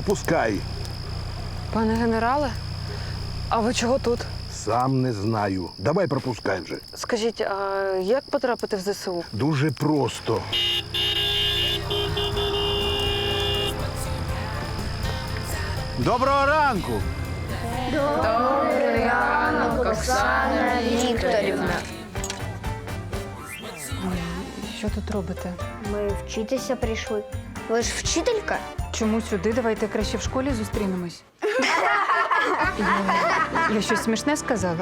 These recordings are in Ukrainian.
пропускай. Пане генерале, а ви чого тут? Сам не знаю. Давай пропускай вже. Скажіть, а як потрапити в ЗСУ? Дуже просто. Доброго ранку! Оксана Вікторівна. Що тут робите? Ми вчитися прийшли. Ви ж вчителька? Чому сюди? Давайте краще в школі зустрінемось. Я щось смішне сказала?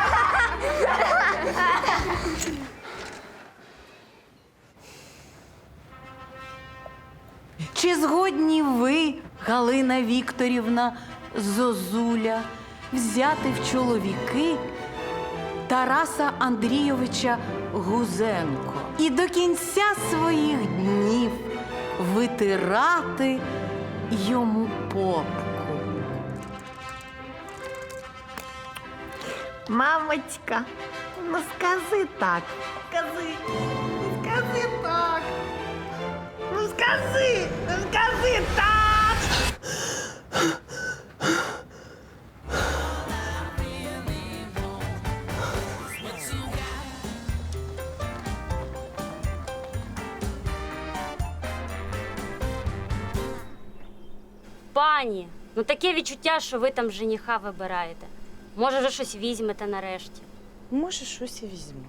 Чи згодні ви, Галина Вікторівна Зозуля, взяти в чоловіки Тараса Андрійовича Гузенко і до кінця своїх днів витирати йому попку? Мамочка, ну скажи так. Скажи. Скажи так. Ну скажи так. Пані, ну таке відчуття, що ви там жениха вибираєте. Може, вже щось візьмете нарешті. Може, щось і візьму.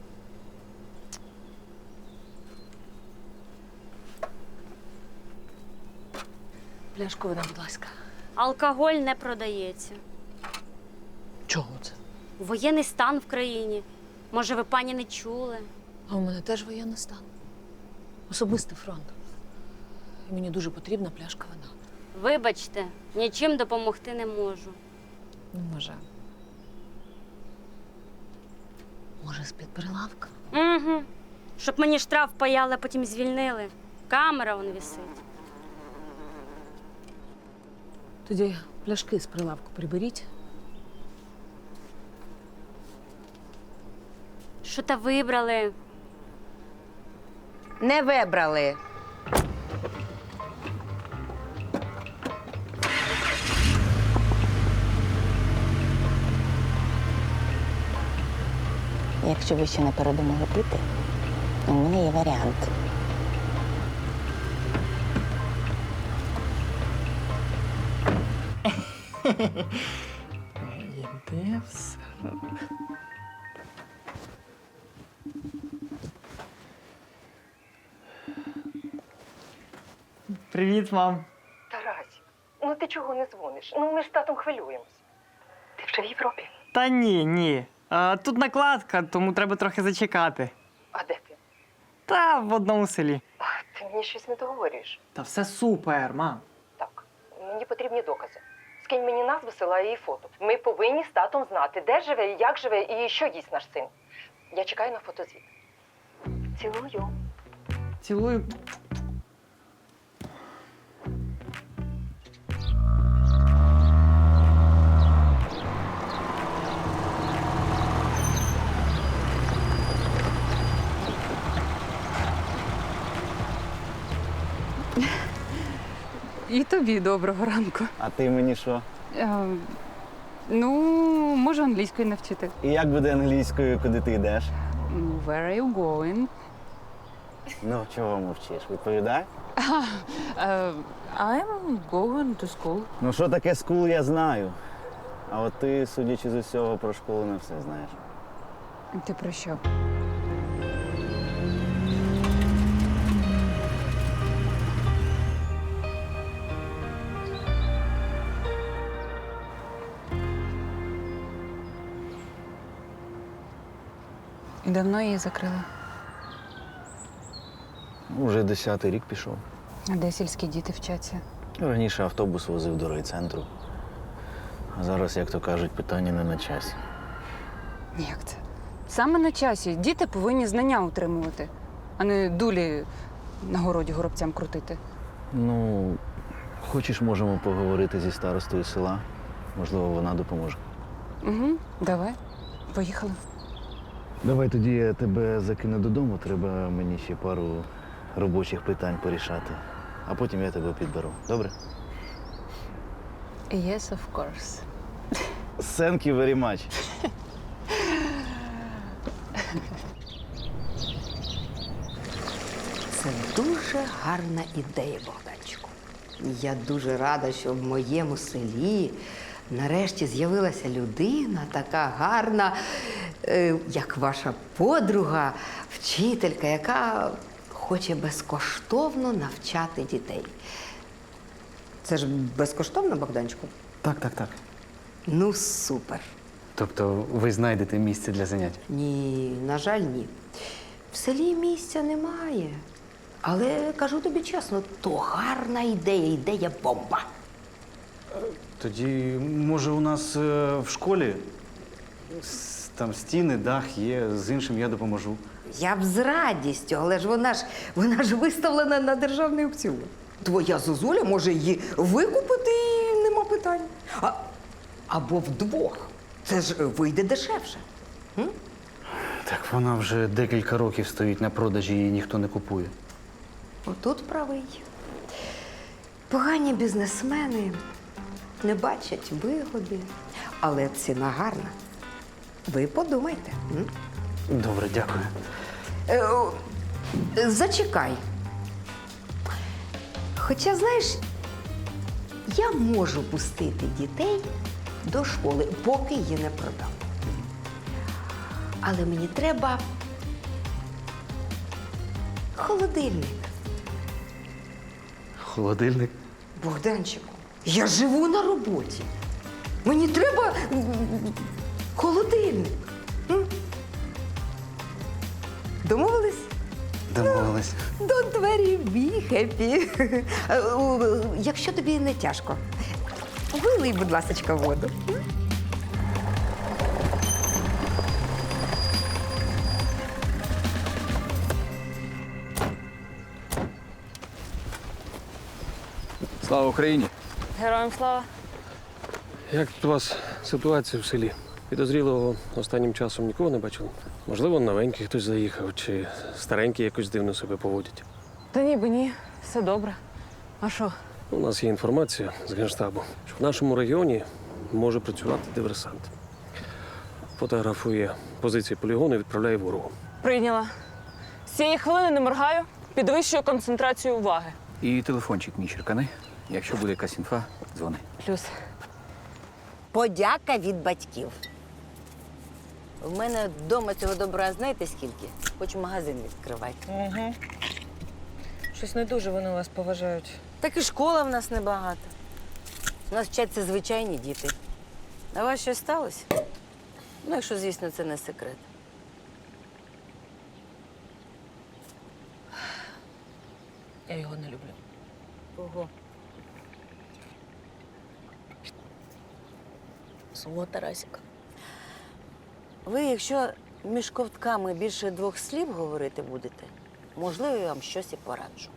Пляшку вода, будь ласка. Алкоголь не продається. Чого це? Воєнний стан в країні. Може, ви, пані, не чули? А у мене теж воєнний стан. Особистий фронт. І мені дуже потрібна пляшка вина. Вибачте, нічим допомогти не можу. Може. Може, з-під прилавка? Угу. Щоб мені штраф паяли, а потім звільнили. Камера вон висить. Тоді пляшки з прилавку приберіть. Що та вибрали? Не вибрали. Якщо ви ще не передумали пити, у мене є варіант. Іде все. Привіт, мам. Тарасі, ну ти чого не дзвониш? Ну ми ж з татом хвилюємось. Ти вже в Європі? Та ні. Тут накладка, тому треба трохи зачекати. А де ти? Та в одному селі. А, ти мені щось не договорюєш. Та все супер, мам. Так, мені потрібні докази. Скинь мені назву села і фото. Ми повинні з татом знати, де живе, як живе і що їсть наш син. Я чекаю на фотозвіт. Цілую. Цілую. І тобі доброго ранку. А ти мені що? Ну, можу англійською навчити. І як буде англійською, куди ти йдеш? Where are you going? Ну, чого мовчиш? Відповідай. I'm going to school. Ну, що таке скул, я знаю. А от ти, судячи з усього, про школу не все знаєш. Ти про що? І давно її закрили? Уже 10-й рік пішов. А де сільські діти вчаться? Раніше автобус возив до райцентру. А зараз, як то кажуть, питання не на часі. Як це? Саме на часі. Діти повинні знання утримувати, а не дулі на городі горобцям крутити. Ну, хочеш, можемо поговорити зі старостою села. Можливо, вона допоможе. Угу, давай. Поїхали. Давай тоді я тебе закину додому. Треба мені ще пару робочих питань порішати. А потім я тебе підберу. Добре? Yes, of course. Thank you very much. Це дуже гарна ідея, Богданчику. Я дуже рада, що в моєму селі нарешті з'явилася людина така гарна, як ваша подруга, вчителька, яка хоче безкоштовно навчати дітей. Це ж безкоштовно, Богданчику? Так. Ну, супер. Тобто ви знайдете місце для занять? Ні, на жаль, ні. В селі місця немає. Але кажу тобі чесно, то гарна ідея, ідея бомба. Тоді, може, у нас в школі там стіни, дах є, з іншим я допоможу. Я б з радістю, але ж вона ж виставлена на державний аукціон. Твоя зозуля може її викупити і нема питань. Або вдвох. Це ж вийде дешевше. Так вона вже декілька років стоїть на продажі, її ніхто не купує. Отут правий. Погані бізнесмени не бачать вигоди, але ціна гарна. Ви подумайте. Добре, дякую. Зачекай. Хоча, знаєш, я можу пустити дітей до школи, поки її не продам. Але мені треба холодильник. Холодильник? Богданчику, я живу на роботі. Мені треба холодильник. Домовились? Домовились. Don't worry, be happy. Якщо тобі не тяжко, вилий, будь ласочка, воду. Слава Україні! Героям слава. Як тут у вас ситуація в селі? Підозрілого останнім часом нікого не бачили? Можливо, новенький хтось заїхав, чи старенький якось дивно себе поводять. Та ніби ні, все добре. А що? У нас є інформація з Генштабу, що в нашому регіоні може працювати диверсант. Фотографує позиції полігону і відправляє ворогу. Прийняла. З цієї хвилини не моргаю, підвищую концентрацію уваги. І телефончик мій черкани. Якщо буде якась інфа, дзвони. Плюс. Подяка від батьків. В мене вдома цього добра знаєте скільки? Хочу магазин відкривати. Угу. Щось не дуже вони вас поважають. Так і школа в нас небагато. У нас вчаться звичайні діти. А у вас щось сталося? Ну, якщо, звісно, це не секрет. Я його не люблю. Кого? Свого Тарасіка. Ви, якщо між ковтками більше 2 слів говорити будете, можливо, я вам щось і пораджу.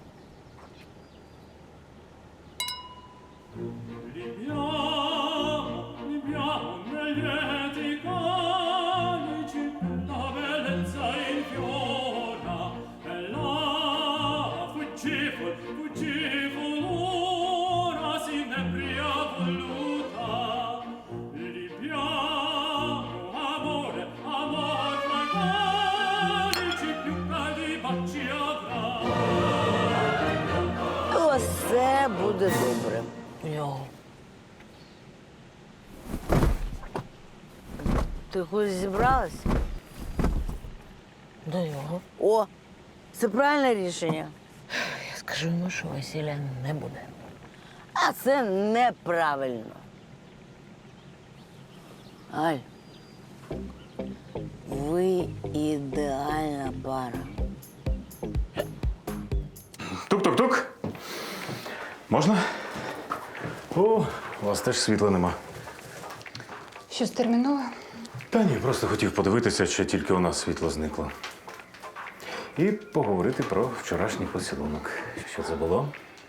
Все буде добре. Його. Ти кудись зібралась? До його. О, це правильне рішення. Я скажу йому, що весілля не буде. А це неправильно. Аль, ви ідеальна пара. Тук-тук-тук. Можна? О, у вас теж світла нема. Щось термінове? Та ні, просто хотів подивитися, чи тільки у нас світло зникло. І поговорити про вчорашній поцілунок. Що це було?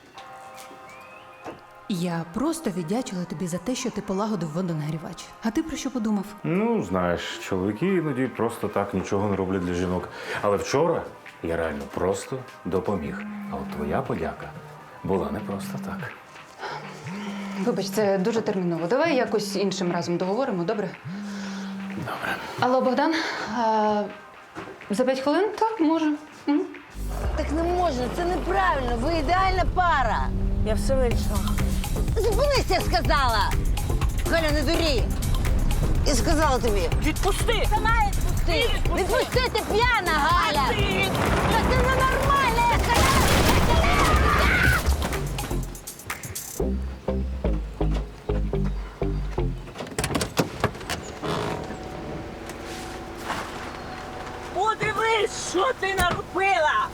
Я просто віддячила тобі за те, що ти полагодив водонагрівач. А ти про що подумав? Ну, знаєш, чоловіки іноді просто так нічого не роблять для жінок. Але вчора я реально просто допоміг. А от твоя подяка була не просто так. Вибач, це дуже терміново. Давай якось іншим разом договоримо, добре? Добре. Алло, Богдан, за 5 хвилин? Так, може. Так не можна, це неправильно. Ви ідеальна пара. Я все вирішила. Зупинись, я сказала! Галя, не дурі! Я сказала тобі. Відпусти! Сама відпусти! Відпусти, ти п'яна, Галя! Та це ненормально, я сказала! Подивись, що ти наробила!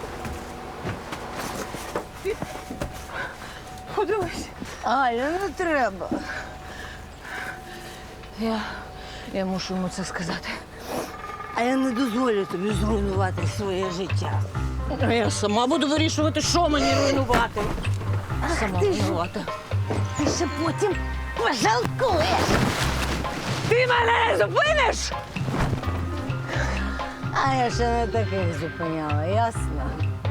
Подивись. Галя, не треба. Я мушу йому це сказати. А я не дозволю тобі зруйнувати своє життя. А я сама буду вирішувати, що мені руйнувати. Сама винувата. Ти ще потім пожалкуєш. Ти мене зупиниш? А я ще не таких зупиняла, ясно?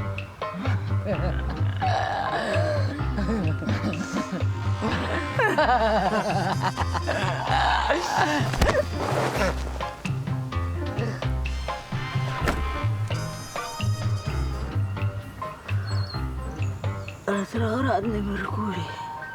Ретроградний Меркурій.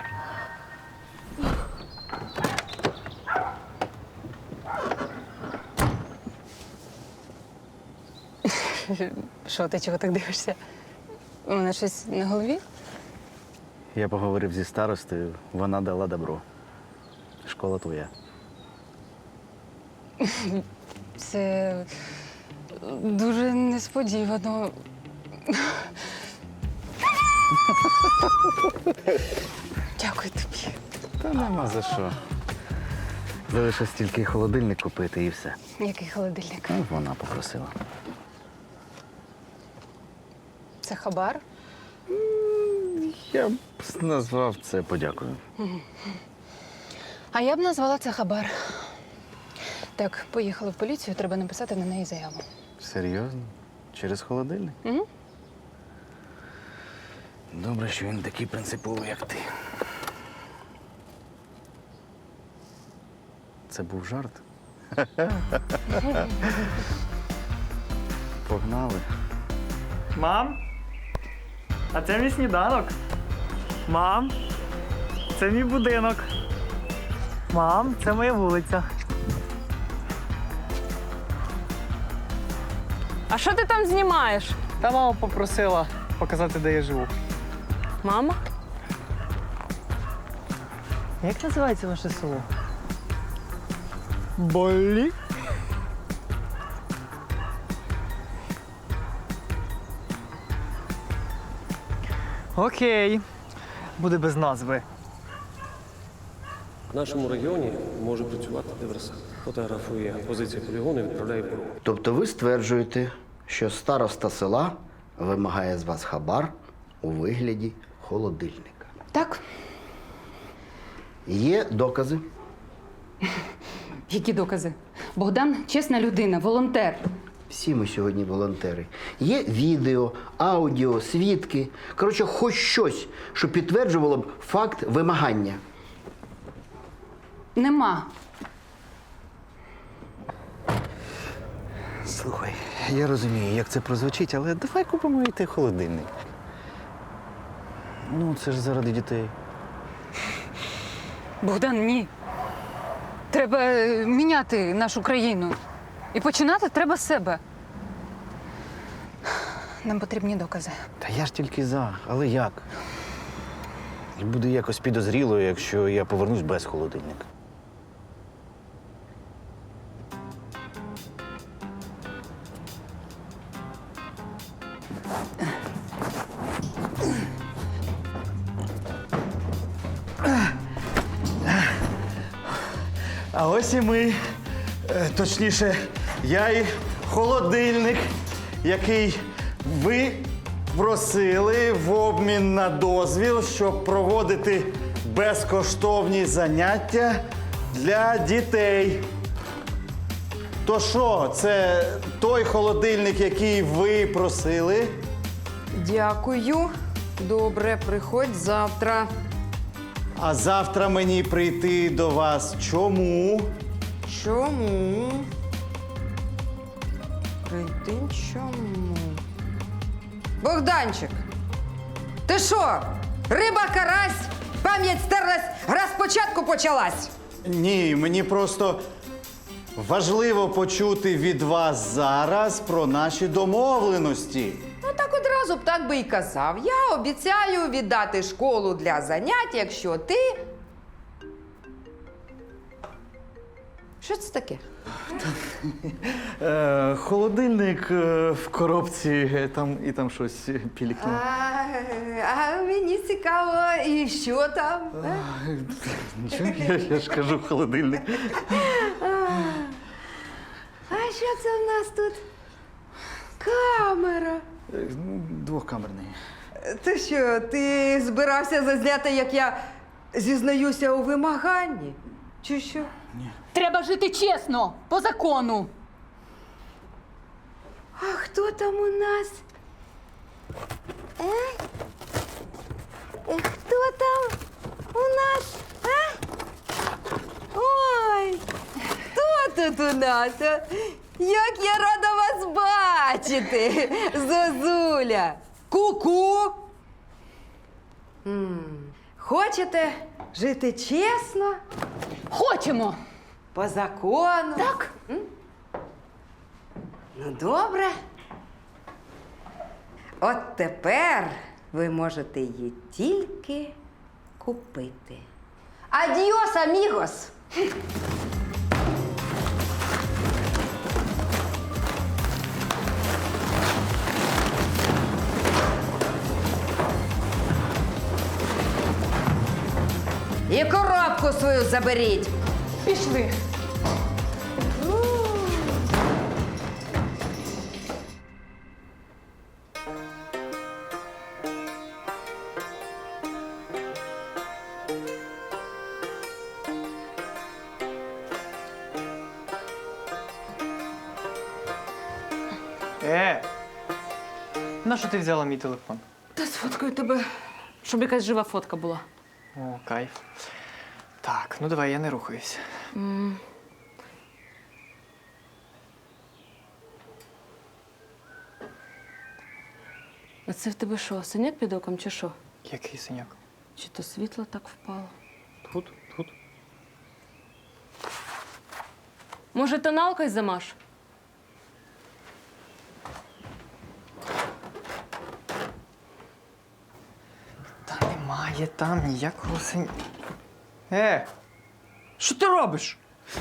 Що, ти чого так дивишся? У мене щось на голові? Я поговорив зі старостою, вона дала добро. Школа твоя. Це дуже несподівано. Дякую тобі. Та нема за що. Залишилось тільки холодильник купити і все. Який холодильник? Ну, вона попросила. Це хабар? Я б назвав це подякою. А я б назвала це хабар. Так, поїхали в поліцію, треба написати на неї заяву. Серйозно? Через холодильник? Угу. Добре, що він такий принциповий, як ти. Це був жарт? Погнали. Мам? А це мій сніданок. Мам? Це мій будинок. Мам, це моя вулиця. А що ти там знімаєш? Та мама попросила показати, де я живу. Мама? Як називається ваше село? Болі? Окей. Буде без назви. В нашому регіоні може працювати диверсант. Фотографує позицію полігону і відправляє в БРУ. Тобто ви стверджуєте, що староста села вимагає з вас хабар у вигляді холодильника. Так. Є докази? Які докази? Богдан чесна людина, волонтер. Всі ми сьогодні волонтери. Є відео, аудіо, свідки. Коротше, хоч щось, що підтверджувало б факт вимагання. Нема. Слухай, я розумію, як це прозвучить, але давай купимо і той холодильник. Ну, це ж заради дітей. Богдан, ні. Треба міняти нашу країну. І починати треба з себе. Нам потрібні докази. Та я ж тільки за, але як? І буде якось підозріло, якщо я повернусь без холодильника. А ось і ми, точніше, я і холодильник, який ви просили в обмін на дозвіл, щоб проводити безкоштовні заняття для дітей. То що, це той холодильник, який ви просили? Дякую. Добре, приходь завтра. А завтра мені прийти до вас чому? Чому? Прийти чому? Богданчик, ти що? Риба, карась, пам'ять стерлась, гра спочатку почалась. Ні, мені просто важливо почути від вас зараз про наші домовленості. Ну так одразу б так би і казав. Я обіцяю віддати школу для занять, якщо ти. Що це таке? Холодильник в коробці, там щось пілікне. А мені цікаво, і що там? Нічого, я ж кажу холодильник. А що це в нас тут? Камера. Двохкамерний. Ти що, ти збирався зазняти, як я зізнаюся у вимаганні? Чи що? Треба жити чесно, по закону. А хто там у нас? Хто там у нас? Ой, хто тут у нас? Як я рада вас бачити, Зозуля! Ку-ку! Хочете жити чесно? Хочемо. По закону? Так. Ну, добре. От тепер ви можете її тільки купити. Адіос, амігос! І коробку свою заберіть. Пішли. Нащо ти взяла мій телефон? Та сфоткаю тебе, щоб якась жива фотка була. О, кайф. Так, ну давай, я не рухаюсь. А це в тебе що, синяк під оком чи що? Який синяк? Чи то світло так впало? Тут. Може, тоналкою замаш? Та немає там ніякого синяка. Що ти робиш?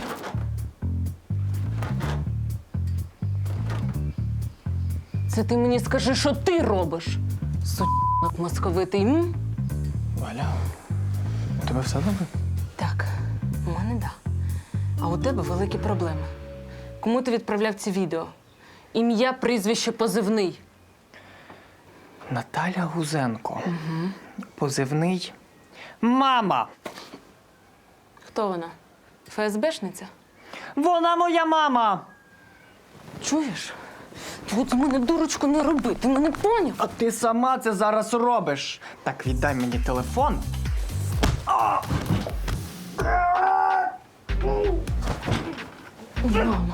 Це ти мені скажи, що ти робиш? Сучок московитий, м? Валя, у тебе все добре? Так, у мене да. А у тебе великі проблеми. Кому ти відправляв ці відео? Ім'я, прізвище, позивний. Наталя Гузенко. Угу. Позивний мама. Хто вона? ФСБшниця? Вона моя мама. Чуєш? От з мене дурочку не роби, ти мене поняв? А ти сама це зараз робиш. Так, віддай мені телефон. Мама.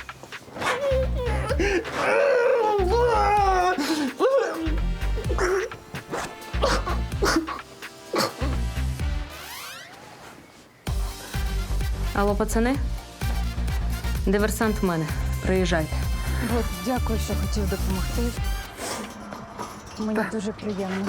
Алло, пацани? Диверсант в мене. Приїжджайте. От, дякую, що хотів допомогти. Мені дуже приємно.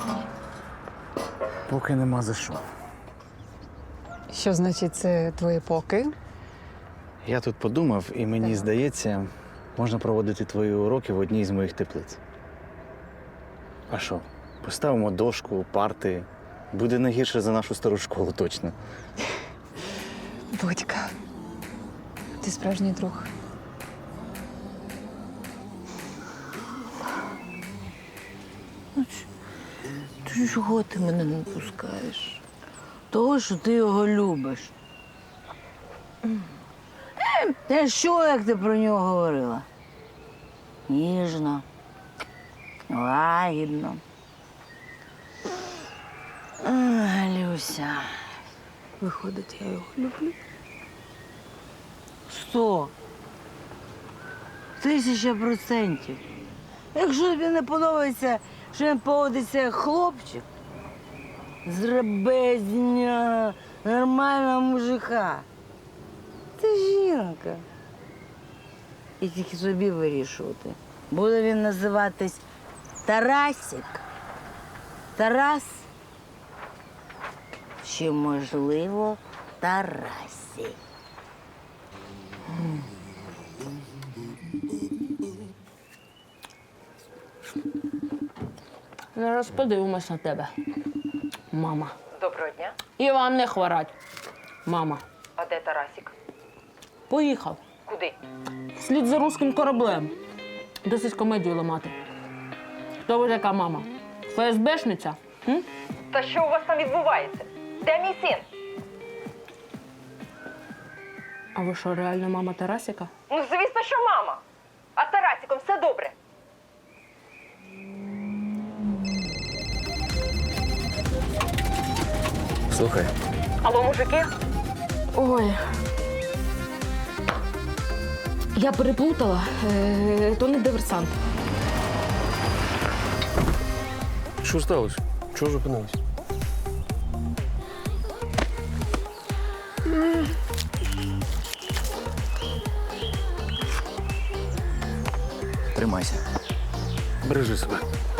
Поки нема за що. Що значить це твої поки? Я тут подумав, і мені здається, можна проводити твої уроки в одній з моїх теплиць. А що? Поставимо дошку, парти. Буде не гірше за нашу стару школу, точно. Будька, ти справжній друг. Ти чого ти мене не пускаєш? Того, що ти його любиш. Та що, як ти про нього говорила? Ніжно, лагідно. Люся, виходить, я його люблю. 100. 1000%. Якщо тобі не подобається, що він поводиться як хлопчик, зроби з нього нормального мужика. Ти жінка. І тільки собі вирішувати. Буде він називатись Тарасик. Тарас. Чи, можливо, Тарасі. Зараз подивимось на тебе, мама. Доброго дня. І вам не хворать, мама. А де Тарасік? Поїхав. Куди? Слід за руським кораблем. Досить комедію ламати. Хто ви така мама? ФСБшниця? М? Та що у вас там відбувається? Де мій син? А ви що, реально мама Тарасіка? Ну, звісно, що мама. А з Тарасіком все добре. Слухай, Алло, мужики? Ой. Я переплутала. То не диверсант. що сталося? Чого зупинились? Тримайся. Бережи себе.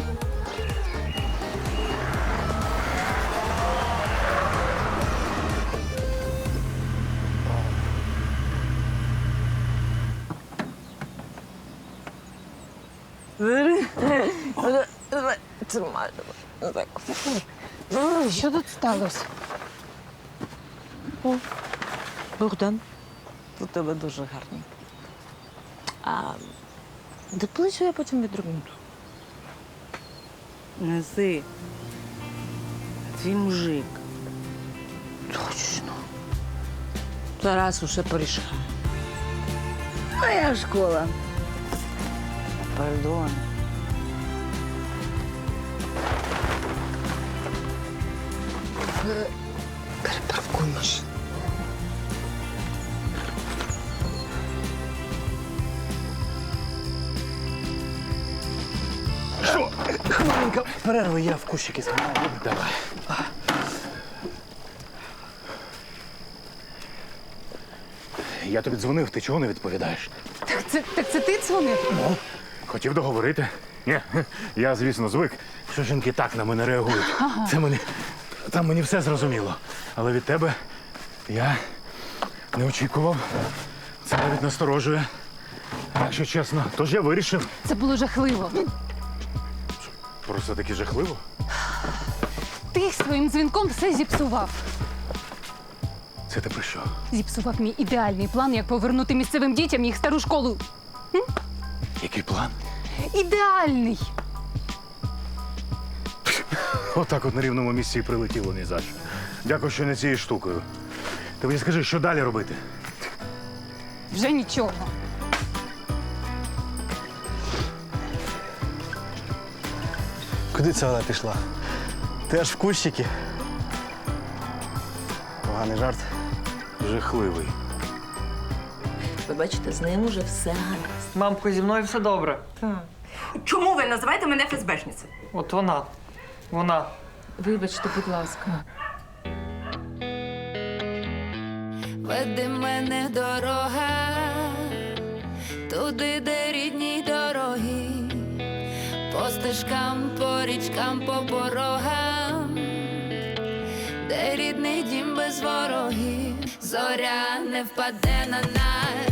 Що тут сталося? Богдан, у тебе дуже гарний. А доплачу я потім відрубнуту. Неси. Твій мужик. Точно. Тарас усе порішає. Моя школа. Пардон. Перепаркуй машину. Що? Хвилинка перерви, я в кущики згадаю. Давай. Я тобі дзвонив, ти чого не відповідаєш? Так це ти дзвонив? Ну, хотів договорити. Ні, я, звісно, звик, що жінки так на мене реагують. Ага. Там мені все зрозуміло. Але від тебе я не очікував. Це навіть насторожує. Якщо чесно, тож я вирішив. Це було жахливо. Просто таки жахливо. Ти своїм дзвінком все зіпсував. Це ти про що? Зіпсував мій ідеальний план, як повернути місцевим дітям їх стару школу. Який план? Ідеальний! Отак от на рівному місці і прилетіло ні за що. Дякую, що не цією штукою. Ти мені скажи, що далі робити? Вже нічого. Куди це вона пішла? Ти аж в кущики. Поганий жарт. Жахливий. Ви бачите, з ним уже все гаразд. Мамко, зі мною все добре. Чому ви називаєте мене ФСБшницею? От вона. Вона. Вибачте, будь ласка. Веди мене дорога, туди, де рідні дороги, по стежкам, по річкам, по порогам, де рідний дім без ворогів, зоря не впаде на нас.